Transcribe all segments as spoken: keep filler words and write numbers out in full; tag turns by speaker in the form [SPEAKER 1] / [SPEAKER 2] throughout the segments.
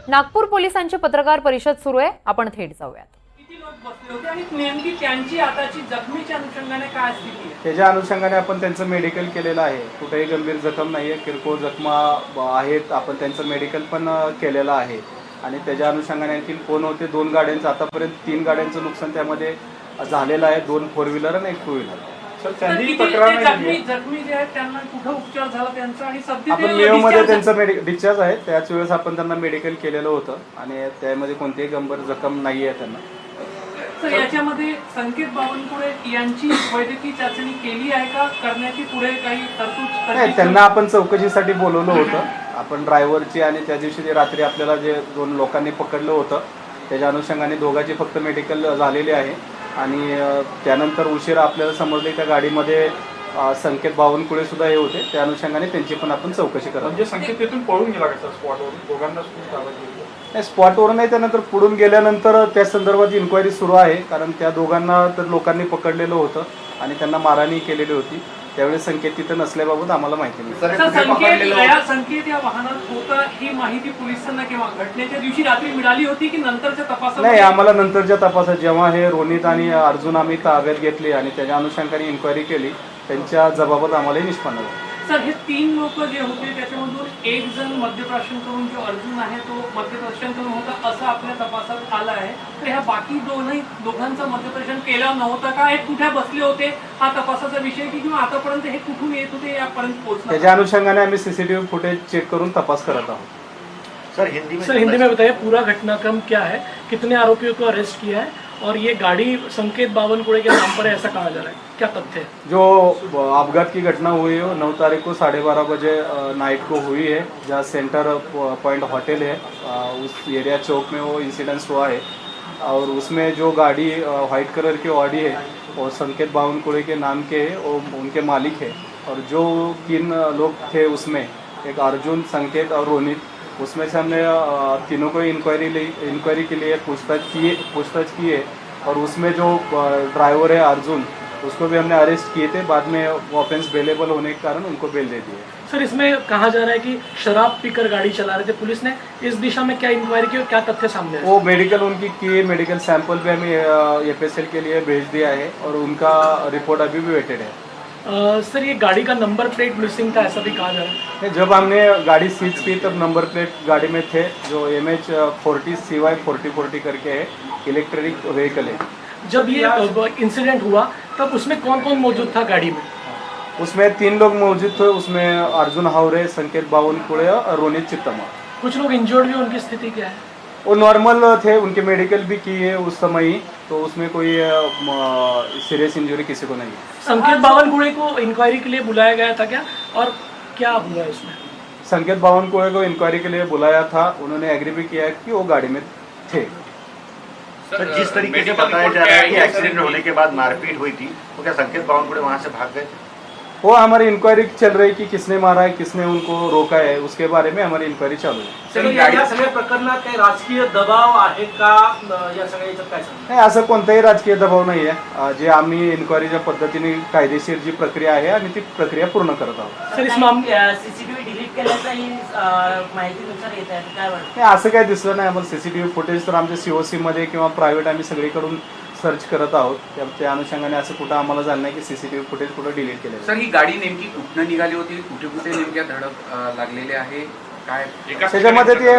[SPEAKER 1] नागपूर पोलिसांची पत्रकार परिषद सुरू आहे, आपण थेट जाऊयात।
[SPEAKER 2] किती लोक बसले होते आणि नेमकी त्यांची आताची जखमीच्या अनुषंगाने काय स्थिती आहे?
[SPEAKER 3] त्याच्या अनुषंगाने आपण त्यांचं मेडिकल केलेलं आहे। कुठेही गंभीर जखम नाही आहे, किरकोळ जखमा आहेत, आपण त्यांचं मेडिकल पण केलेलं आहे। आणि त्याच्या अनुषंगाने आणखी कोण होते, दोन गाड्यांचं आतापर्यंत तीन गाड्यांचं नुकसान त्यामध्ये झालेलं आहे, दोन फोर व्हीलर आणि एक टू व्हीलर।
[SPEAKER 2] जखमी जखमी जे आहेत त्यांना कुठे उपचार झाला त्यांचा आणि सध्या
[SPEAKER 3] आपण मेयोमध्ये त्यांचं मेडिकल डिस्चार्ज आहे, त्याच वेळेस आपण त्यांना मेडिकल केलेलं होतं आणि त्यामध्ये कोणतीही गंभीर जखम नाही आहे त्यांना।
[SPEAKER 2] तर याच्यामध्ये संकेत बावनकुळे यांची वैद्यकीय चाचणी केली आहे का, करण्याची पुढे काही तरतूद?
[SPEAKER 3] नाही, त्यांना आपण चौकशीसाठी बोलवलं होतं। आपण ड्रायव्हरची आणि त्या दिवशी रात्री आपल्याला जे दोन लोकांनी पकडलं होतं त्याच्या अनुषंगाने दोघांची फक्त मेडिकल झालेली आहे। आणि त्यानंतर उशिरा आपल्याला समजले त्या गाडीमध्ये संकेत बावनकुळे सुद्धा हे होते, त्या अनुषंगाने त्यांची पण आपण चौकशी करतो।
[SPEAKER 4] म्हणजे संकेत तिथून पळून गेला का स्पॉटवरून? दोघांना
[SPEAKER 3] नाही, स्पॉटवरून नाही, त्यानंतर पुढून गेल्यानंतर त्या संदर्भात इन्क्वायरी सुरू आहे। कारण त्या दोघांना तर लोकांनी पकडलेलं होतं आणि त्यांना मारहाणी केलेली होती, त्यावेळेस संकेत तिथं नसल्याबाबत आम्हाला माहिती नाही।
[SPEAKER 2] संकेत या वाहनात होता ही माहिती पोलिसांना किंवा घटनेच्या दिवशी रात्री मिळाली होती की नंतरच्या तपासात?
[SPEAKER 3] नाही, आम्हाला नंतरच्या तपासात जेव्हा हे रोनित आणि अर्जुन आम्ही ताब्यात घेतली आणि त्याच्या अनुषंगाने इन्क्वायरी केली, त्यांच्या जबाबत आम्हालाही निष्पन्न झालं।
[SPEAKER 2] सर, हे तीन लोक जे होते त्याच्यामधून एक जण मद्यप्राशन करून जो अर्जुन आहे तो मद्यप्राशन करून होता असं आपल्या तपासात आलं आहे। तर ह्या बाकी दोनही दोघांचं मद्यप्राशन केलं नव्हतं का, हे कुठे बसले होते हा तपासाचा विषय की किंवा आतापर्यंत हे कुठून येत होते यापर्यंत पोहोचलं?
[SPEAKER 3] त्याच्या अनुषंगाने आम्ही सीसीटीव्ही फुटेज चेक करून तपास करत आहोत।
[SPEAKER 5] सर हिंदी में
[SPEAKER 6] सर हिंदी में बताइए पूरा घटनाक्रम क्या है, कितने आरोपियों को अरेस्ट किया है और ये गाड़ी संकेत बावनकुळे के नाम पर है ऐसा कहा जा रहा है, क्या तथ्य है?
[SPEAKER 3] जो अपघात की घटना हुई है वो नौ तारीख को साढ़े बारह बजे नाइट को हुई है, जहाँ सेंटर पॉइंट होटल है उस एरिया चौक में वो इंसिडेंस हुआ है। और उसमें जो गाड़ी वाइट कलर की ऑडी है वो संकेत बावनकुळे के नाम के है, वो उनके मालिक है। और जो तीन लोग थे उसमें एक अर्जुन, संकेत और रोनित, उसमें से हमने तीनों को इंक्वायरी ली इंक्वायरी के लिए पूछताछ की पूछताछ की है। और उसमें जो ड्राइवर है अर्जुन, उसको भी हमने अरेस्ट किए थे, बाद में ऑफेंस बेलेबल होने के कारण उनको बेल दे दिए।
[SPEAKER 6] सर इसमें कहा जा रहा है कि शराब पीकर गाड़ी चला रहे थे, पुलिस ने इस दिशा में क्या इंक्वायरी की और क्या तथ्य सामने आए?
[SPEAKER 3] वो मेडिकल उनकी की मेडिकल सैंपल भी हमें एफ एस एल के लिए भेज दिया है और उनका रिपोर्ट अभी भी वेटेड है।
[SPEAKER 6] आ, सर ये गाड़ी का नंबर प्लेट मिसिंग था ऐसा भी कहा जा रहा है?
[SPEAKER 3] जब हमने गाड़ी सीज की तब नंबर प्लेट गाड़ी में थे, जो M H forty C Y forty forty करके है, इलेक्ट्रिक व्हीकल है।
[SPEAKER 6] जब ये इंसिडेंट हुआ तब उसमें कौन कौन मौजूद था गाड़ी में?
[SPEAKER 3] उसमें तीन लोग मौजूद थे, उसमें अर्जुन हावरे, संकेत बावनकुळे और रोनित चित्तमा।
[SPEAKER 6] कुछ लोग इंजर्ड भी, उनकी स्थिति क्या है?
[SPEAKER 3] वो नॉर्मल थे, उनके मेडिकल भी किए उस समय ही, तो उसमें कोई सीरियस इंजरी किसी को नहीं है।
[SPEAKER 6] संकेत बावनकुळे को इंक्वायरी के लिए बुलाया गया था क्या, और क्या हुआ इसमें?
[SPEAKER 3] संकेत बावनकुळे को इंक्वायरी के लिए बुलाया था, उन्होंने एग्री भी किया कि वो गाड़ी में थे।
[SPEAKER 5] सर जिस तरीके से बताया जा रहा है कि एक्सीडेंट होने के बाद मारपीट हुई थी, तो क्या संकेत बावनकुळे वहां से भाग गए थे?
[SPEAKER 3] वो हमारी इंक्वायरी चल रही कि किसने मारा है, किसने उनको रोका है, उसके बारे में हमारी इंक्वायरी चालू है।
[SPEAKER 7] सर या सगळ्या प्रकरणात काही राजकीय दबाव आहे का, या सगळ्याचं काय सांगता?
[SPEAKER 3] नाही, असं कोणताही राजकीय दबाव नाही आहे। जे आम्ही इन्क्वायरीच्या पद्धतीने कायदेशीर जी प्रक्रिया आहे आणि ती प्रक्रिया पूर्ण करत आहोत।
[SPEAKER 6] सर इस मामले
[SPEAKER 7] सीसीटीव्ही डिलीट केल्याचाही माहितीनुसार येत आहे, काय वाटतं?
[SPEAKER 3] नाही, असं काही दिसलं नाही आम्हाला। सीसीटीव्ही फुटेज तर आमच्या सीओसी मध्ये किंवा प्रायव्हेट आम्ही सगळीकडून सर्च करत आहोत, त्या अनुषंगाने असं कुठं आम्हाला झालं नाही की सीसीटीव्ही फुटेज कुठं डिलीट केलं।
[SPEAKER 8] सर ही गाडी नेमकी कुठनं निघाली होती, कुठे कुठे नेमक्या धडक लागलेले आहे काय?
[SPEAKER 3] त्याच्यामध्ये ते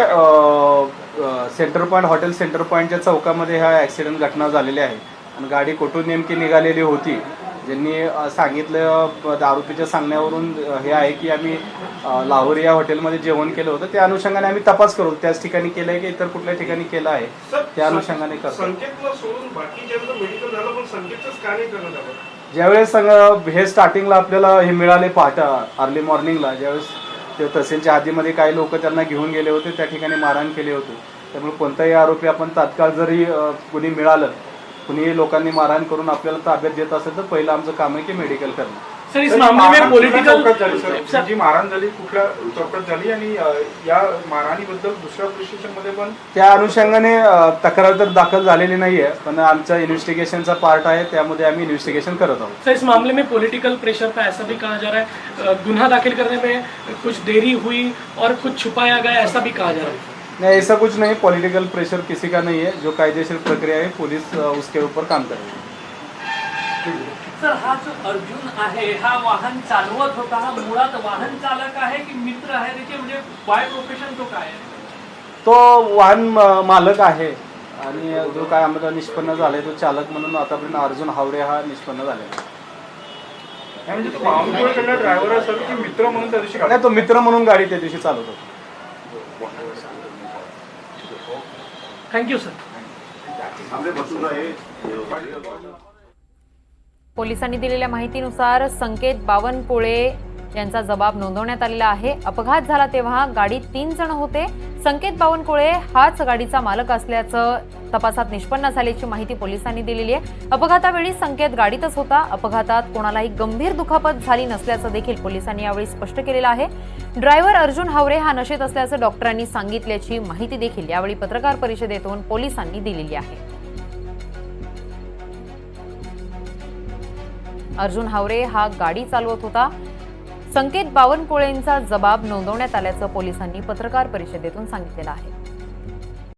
[SPEAKER 3] सेंटर पॉईंट हॉटेल सेंटर पॉईंटच्या चौकामध्ये हा ॲक्सिडेंट घटना झालेली आहे आणि गाडी कुठून नेमकी निघालेली होती, ज्यांनी सांगितलं आरोपीच्या सांगण्यावरून हे आहे की आम्ही लाहोर या हॉटेलमध्ये जेवण केलं होतं, त्या अनुषंगाने आम्ही तपास करू त्याच ठिकाणी केलं आहे की इतर कुठल्या ठिकाणी केलं आहे, त्या अनुषंगाने करतो।
[SPEAKER 4] संकेतला सोडून बाकी ज्यांचं मेडिकल झालं पण संकेतच का नाही करण्यात आलं?
[SPEAKER 3] ज्यावेळेस हे स्टार्टिंगला आपल्याला हे मिळाले पहाटा अर्ली मॉर्निंगला, ज्यावेळेस ते तहसीलच्या हद्दीमध्ये काही लोक त्यांना घेऊन गेले होते, त्या ठिकाणी मारहाण केले होते, त्यामुळे कोणताही आरोपी आपण तात्काळ जरी कुणी मिळालं, कुणी लोकांनी मारहाण करून आपल्याला ताब्यात देत असेल तर पहिलं आमचं काम आहे की मेडिकल करणं।
[SPEAKER 6] सर इस मामले में पॉलिटिकल
[SPEAKER 4] सर जी मारहाण झाली कुठल्या चौकात झाली आणि या मारहाणीबद्दल दुसऱ्या पोलीस स्टेशनमध्ये पण
[SPEAKER 3] त्या अनुषंगाने तक्रार तर दाखल झालेली नाहीये, पण आमच्या इन्व्हेस्टिगेशनचा पार्ट आहे, त्यामध्ये आम्ही इन्व्हेस्टिगेशन करत आहोत।
[SPEAKER 6] सर इस मामले में पॉलिटिकल प्रेशर का ऐसा भी कहा जा रहा है, गुन्हा दाखिल करने में कुछ देरी हुई और कुछ छुपाया गया ऐसा भी कहा जा रहा है?
[SPEAKER 3] नहीं, ऐसा कुछ नहीं, पॉलिटिकल प्रेशर किसी का नहीं है। जो कायदेशीर प्रक्रिया है पुलिस अ, उसके ऊपर काम करेगी।
[SPEAKER 2] सर, हा जो अर्जुन आहे हा वाहन चालवत होता, हा मुळात वाहन चालक आहे की मित्र आहे, त्याचे म्हणजे बाय प्रोफेशन तो काय आहे?
[SPEAKER 3] तो वाहन अ, मालक आहे आणि जो काय आम्हाला निष्पन्न झाले तो चालक म्हणून आतापर्यंत अर्जुन हावरे हा निष्पन्न झालेला आहे।
[SPEAKER 4] म्हणजे तो बावनकुळेकडला ड्रायव्हर असेल की मित्र म्हणून त्या दिवशी
[SPEAKER 3] नाही, तो मित्र म्हणून गाडी त्या दिवशी चालवत होता।
[SPEAKER 6] Thank you sir.
[SPEAKER 1] पोलिसांनी दिलेल्या माहितीनुसार संकेत बावनकुळे यांचा जबाब नोंदवण्यात आलेला आहे। अपघात झाला तेव्हा गाडीत तीन जण होते। संकेत बावनकुळे हाच गाडीचा मालक असल्याचं तपासात निष्पन्न झाल्याची माहिती पोलिसांनी दिलेली आहे। अपघातावेळी संकेत गाडीतच होता। अपघातात कोणालाही गंभीर दुखापत झाली नसल्याचं देखील पोलिसांनी यावेळी स्पष्ट केलेलं आहे। ड्रायव्हर अर्जुन हावरे हा नशेत असल्याचं डॉक्टरांनी सांगितल्याची माहिती देखील यावेळी पत्रकार परिषदेतून पोलिसांनी दिलेली आहे। अर्जुन हावरे हा गाडी चालवत होता। संकेत बावनकुळेंचा जबाब नोंदवण्यात आल्याचं पोलिसांनी पत्रकार परिषदेतून सांगितलेलं आहे।